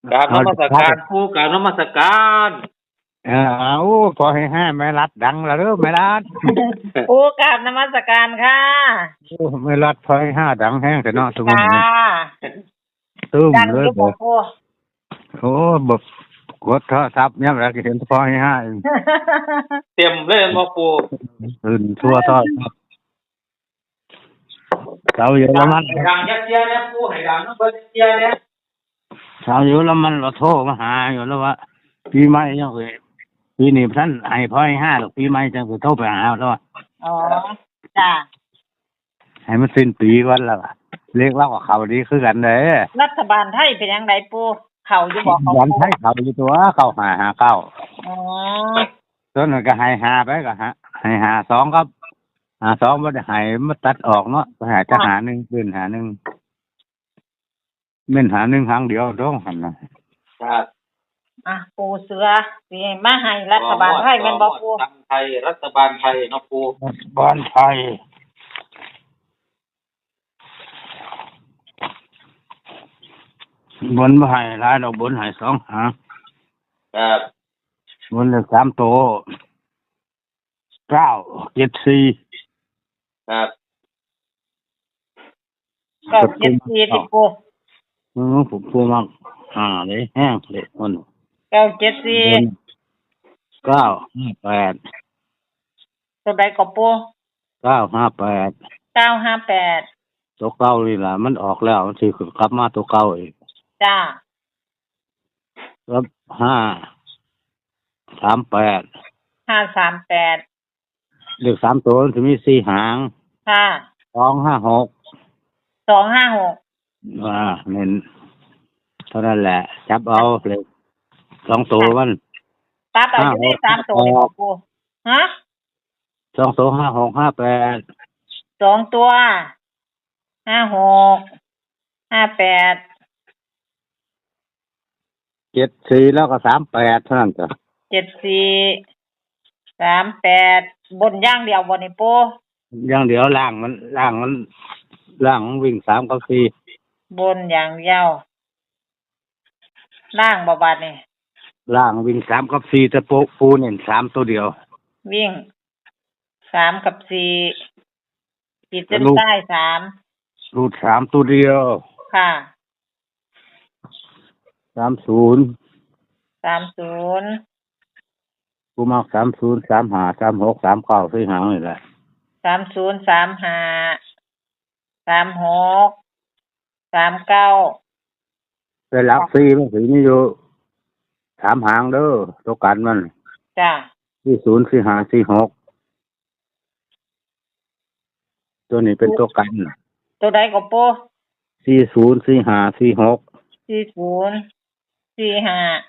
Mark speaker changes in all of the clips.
Speaker 1: กราบนมัสการปู่กราบนมัสการ
Speaker 2: เอาพอให้ห้าไม่รัดดังแล้วเด้อไม่รัด
Speaker 3: ปูกราบนมัสการค่ะ
Speaker 2: โอ้ไม่รัดพอให้ห้าดังแห้งแต่เนาะทุกวัน
Speaker 3: ค่ะ
Speaker 2: นี้ตึ้ม
Speaker 3: ดัง
Speaker 2: เล
Speaker 3: อย ยู่
Speaker 2: บ
Speaker 3: บ่
Speaker 2: อก
Speaker 3: ปู
Speaker 2: โอ้บอกกดโทรศัพท์เนี่ยเราเห็นพอให้ห้าเอง
Speaker 1: เต็มเลยบ่ปู่
Speaker 2: ตื่นทั่วโทรศัพท์ชาวเยอรมัน
Speaker 1: ให้ดังยักเจียเนี่ยปู่ให้ดังนำเบิ่เจียเนี่ย
Speaker 2: ชาวเยอรมันเราโทรมาหาอยู่แล้วว่าปีใหม่ยังเคยปีนี้ท่านให้พอให้ห้าหรอกปีใหม่จังจะโทรไปหาแล้วว่า
Speaker 3: อ๋อจ้า
Speaker 2: ให้มันสิ้นปีวันแล้วอะเรียกเล่ากับเขาดีคือกันเลย
Speaker 3: รัฐบาลไทยเป็นยังไงปูเขาอยู่บ่เขา
Speaker 2: วันให้เขาอยู่ตัวเขาหาเก้า
Speaker 3: อ๋อ
Speaker 2: ต้นก็ให้หาไปก็ให้หาสองครับหาสองไม่ได้ให้มาตัดออกเนาะไปหาจะหาหนึ่งขึ้นหาหนึ่งเม่นหาหนึ่งครั้งเดียวต้องหันนะครับ
Speaker 3: อ่ะปูเสือสิมาให้รัฐบาลไทยแม่นบ่ปู
Speaker 1: ทางไทยรัฐบาลไทยเนาะปู่
Speaker 2: บ้านไทยบนบ่ให้หลายดอกบนให้สองหาง
Speaker 1: ครับ
Speaker 2: บนเลยสามโต974
Speaker 1: ครับ
Speaker 3: ก็74ที่ปู
Speaker 2: ผมพูดมากเลยแห้งเลยคน
Speaker 3: 974
Speaker 2: 958
Speaker 3: ตัวใดก็ปู
Speaker 2: 958
Speaker 3: 958
Speaker 2: ตัวเก่านี่ล่ะมันออกแล้วมันสิขึ้นกลับมาตัวเก่าอีก
Speaker 3: จ้า
Speaker 2: แล้ว538
Speaker 3: 538
Speaker 2: เลข3ตัวมันสิมี4หาง
Speaker 3: ค่ะ
Speaker 2: 256
Speaker 3: 256
Speaker 2: เน้นเท่านั้นแหละ จับเอาเลย2ตัวมัน
Speaker 3: ตัดเอาอยู่ใน3ตัวนี่บ่ปูฮะ
Speaker 2: 2ตัว56 58
Speaker 3: 2ตัว56 58
Speaker 2: 74แล้วก็38เท่านั้นจ้ะ
Speaker 3: 74 38บนอย่างเดียวบ่นี่ปู
Speaker 2: อย่างเดียวล่างมันวิ่ง3กับ4
Speaker 3: บนอย่างเดียวล่างบ่บาดนี่
Speaker 2: ล่างวิ่ง3กับ4แต่ปูเน้น3ตัวเดียว
Speaker 3: วิ่ง3กับ4ขีดเส้นใต้3
Speaker 2: รูด3ตัวเดียว
Speaker 3: ค่ะ
Speaker 2: 30
Speaker 3: 30
Speaker 2: กูมัก30 35 36 39 4หางนี่แหละ
Speaker 3: 30 35 36 39
Speaker 2: แต่หลัก4มันสิมีอยู่3หางเด้อตัวกันมัน
Speaker 3: จ้ะ
Speaker 2: 40 45 46ตัวนี้เป็นตัวกัน
Speaker 3: ตัวใดก็ปู
Speaker 2: 40 45 46
Speaker 3: 40 45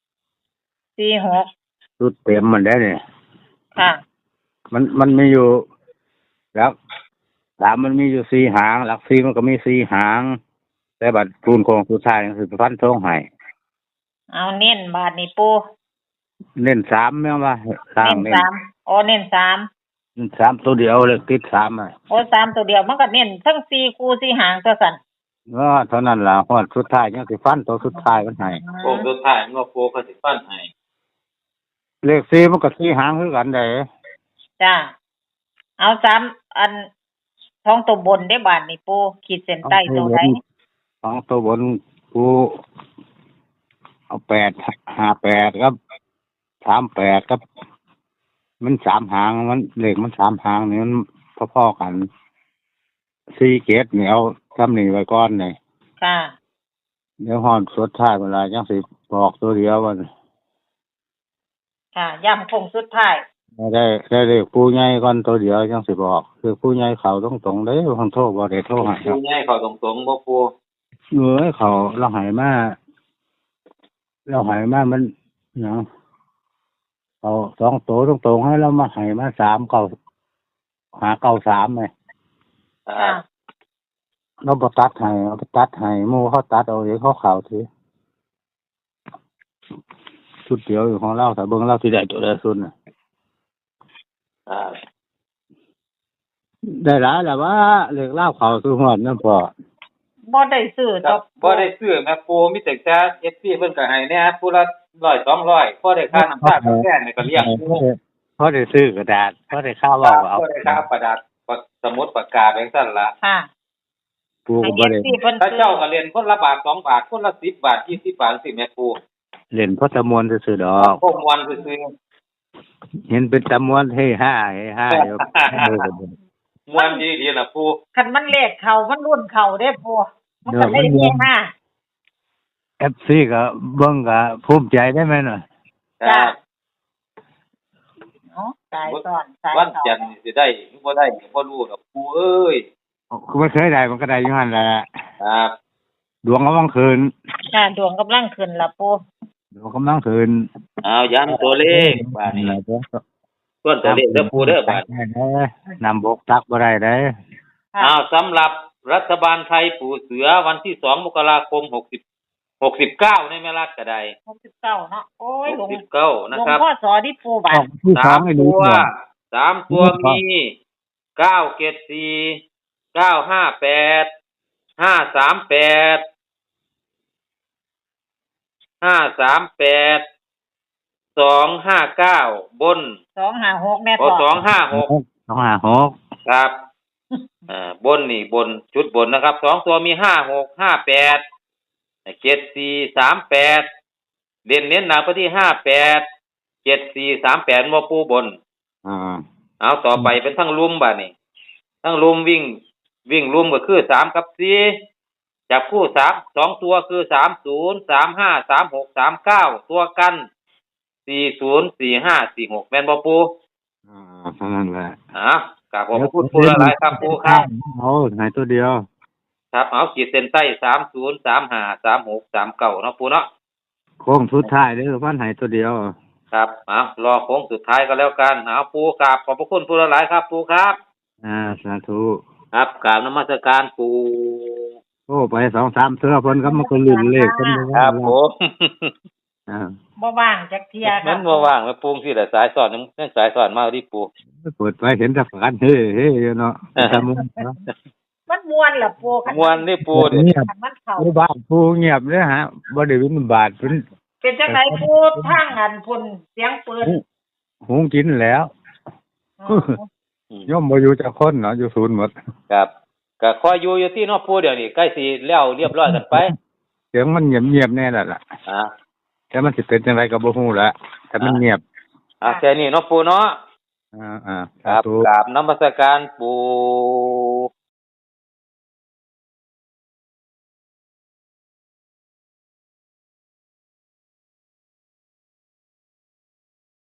Speaker 3: 46
Speaker 2: ชุดเต็มมันได้เนี่ย
Speaker 3: ค่ะ
Speaker 2: มันมีอยู่หลัก3มันมีอยู่4หางหลัก4มันก็มี4หางแต่บัดคูณโคงสุดท้ายคือฟันทงให้
Speaker 3: เอาเน้นบาดนี่ปู
Speaker 2: เน้น3แม่นว่าล่างเน้น
Speaker 3: 3อ๋อเน้น3
Speaker 2: 3ตัวเดียวเลยติด3อ่ะ
Speaker 3: โอ้3ตัวเดียวมันก็เน้นทั้ง4คู่4หางตัวสั่น
Speaker 2: เท่านั้นล่ะฮอดสุดท้ายยังสิฟันตัวสุดท้ายมันให้
Speaker 1: โค้งสุดท้ายเนาะปู่ก็สิฟันให้
Speaker 2: เลข4มันก็4หางคือกันได้
Speaker 3: จ้าเอา3อันท้องตัวบนได้บาดนี่ปูขีดเส้นใต้ตัวใด
Speaker 2: ของตัวบนกูเอา858ครับ38ครับมัน3หางมันเลขมัน3หางนี่มันพอๆกัน4เกตนี่เอาซ้ำนี่ไว้ก่อนนี่
Speaker 3: ค่ะ
Speaker 2: เดี๋ยวฮอดสุดท้ายเวลาจังสิบอกตัวเดียวมัน
Speaker 3: ค่ะย้ำคงสุดท้าย
Speaker 2: ได้เลขผู้ใหญ่ก่อนตัวเดียวจังสิบอกคือผู้ใหญ่เขาตรงๆเด้เพิ่นโทรบ่ได้โทรให้ครับ
Speaker 1: ปู่ใหญ่เขาตรงๆบ่ปู่
Speaker 2: เขาเราใหายมามันเนาะเอา2ตัวตรงๆให้เรามาใหายมา3เก้าหา93ไง
Speaker 1: ครับ
Speaker 2: เราบ่ตัดให้เอาไปตัดให้หมู่เขาตัดเอาเองเขาเข้าสิชุดเดียวอยู่ของเราถ้าเบิ่งเราสิได้ตัวใดสุดน่ะ
Speaker 1: ครับ
Speaker 2: ได้หลายแล้วว่าเลขเล่าเข้าคือฮอดนั่นพอ
Speaker 3: บ่ได้ซื้อ
Speaker 1: ค
Speaker 3: ด
Speaker 1: รั
Speaker 3: อบ ก
Speaker 1: บ่ได้ซื้อแม่ปูมีแต่แค่ FC เพิ่นก็ให้แหน่ผู้ละ100 200พอได้ค่าน้ำตาลแค่นี่ก็เลี้ยงปู
Speaker 2: พอได้ซื้อกระดาษพอได้ข้าว
Speaker 1: ครั
Speaker 2: เว้า
Speaker 1: บ
Speaker 2: ก็เอา
Speaker 1: พอได้ค่าประดับสมุดปากกาจังซั่นล่ะ
Speaker 3: ค่ะ
Speaker 2: ปู
Speaker 3: ให้
Speaker 2: ก็บ่ได้
Speaker 3: FC เพิ่น
Speaker 1: ถ้า
Speaker 3: ซื้อ
Speaker 1: เจ้าก็เรียนคนละบาท2บาทคนละ10บาท20บาทจังซี่แม่ปู
Speaker 2: เล่นพอตะมวนซื่อๆดอก
Speaker 1: พวกมวนซื่อ
Speaker 2: เห็นเป็นตะมวนเฮ้ห้าอยู่
Speaker 1: ๆมวนดีๆน่ะปู
Speaker 3: คันมันเลขเข้ามันรุ่นเข้าเด้ปูมันก็ได้เฮฮา
Speaker 2: FC ก็เบิ่งก็ภูมิใจได้ไหมน่ะ
Speaker 3: จ้ะ
Speaker 1: ครับ
Speaker 3: เนาะสายสอนสาย
Speaker 1: วัน
Speaker 3: สอ
Speaker 1: จั
Speaker 3: น
Speaker 1: นทร์นี่สิได้หรือบ่ได้ก็บ่รู้ดอกปูเอ้ย
Speaker 2: คือมันเคยได้มันก็ได้อยู่หั่นแหละ
Speaker 1: ครับ
Speaker 2: ดวงกำลังคืน
Speaker 3: ค่ะดวงกำลังขึ้นละปู
Speaker 2: ดวงกำลังคืน
Speaker 1: เอาย้ำตัวเลขบาดนี้ส่วนตัวเลขเด้อปูเด้อบาด
Speaker 2: นำบกตักบ่ได้เด้อ
Speaker 3: ค่ะ
Speaker 1: เอาสำหรับรัฐบาลไทยปู่เสือวันที่2มกราคม69ในแม่รัฐก็ได้
Speaker 3: 69เนาะโอ้ยหลวง
Speaker 1: 69นะ
Speaker 3: หลวง
Speaker 1: ครับ
Speaker 3: พ่อสอดิปูบา
Speaker 2: อ
Speaker 3: ด
Speaker 2: อกที่สองให้ดู
Speaker 1: ตัว
Speaker 2: ก่อน
Speaker 1: 3ตัวมี974 958 538 538 259บน
Speaker 3: 256แม่
Speaker 1: โอ้
Speaker 3: ต่อ
Speaker 1: 256
Speaker 2: 256
Speaker 1: ครับบนนี่บนชุดบนนะครับ2ตัวมี56 58 74 38เด่นเน้นหนักไปที่58 74 38บ่ปูบน เอาต่อไปเป็นทั้งลุมบัดนี้ทั้งลุมวิ่งลุมก็คือ3กับ4จับคู่3 2ตัวคือ30 35 36 39ตัวกัน40 45 46แม่นบ่ปู
Speaker 2: เท่านั้นแหละ
Speaker 1: กราบขอบพระคุณปูหลายๆครับปูครับ
Speaker 2: เอาไหนตัวเดียว
Speaker 1: ครับเอาขีดเส้นใต้30 35 36 39เนาะปูเนาะ
Speaker 2: โค้งสุดท้ายเด้อพันไหนตัวเดียว
Speaker 1: ครับเอารอโค้งสุดท้ายก็แล้วกันเอาปูกราบขอบพระคุณปูหลายๆครับปูครับ
Speaker 2: สาธุ
Speaker 1: ครับกราบนมัสการปู
Speaker 2: โอ้ไป2-3เทื่อเพิ่นก็มันก็ลื่นเลขเพิ่น
Speaker 1: ครับผม
Speaker 3: บ่ว่างจักเที่ยครั
Speaker 1: มันบ่ว่างมาปูงสิแหละสายสอนยังสายสอนมาดิปู
Speaker 2: เปิดไปเห็นแต่ฝันเฮ้อยู่เนาะตะมุนเนาะ
Speaker 3: มันม่วนล่ะปูคัน
Speaker 1: มวนนี่ปูเด้
Speaker 2: เงียบ
Speaker 3: คันมันเข้า
Speaker 2: ผู้บ้านผู้เงียบเด้อฮะบ่ได้วินบาทเพิ่น
Speaker 3: เป็นจังไดปูทางอันพุ่นเสียงปืน
Speaker 2: หุงกินแล้ว
Speaker 3: อ๋อ
Speaker 2: ย่อมบ่อยู่จักคนเนาะอยู่ศูนย์หมด
Speaker 1: ครับก็คอยอยู่ที่เนาะปูเดี๋ยวนี้ใกล้สิแล้วเรียบร้อยกันไป
Speaker 2: เสียงมันเงียบๆแน่แล้วล่ะ
Speaker 1: อ่า
Speaker 2: แต่มันสิเป็นจังไดก็บ่ฮู้ละแต่มันเงียบ
Speaker 1: แค่นี้เนาะปูเนาะ
Speaker 2: อ่า
Speaker 1: ครับ
Speaker 2: สาธุ
Speaker 1: กราบนมัสการปู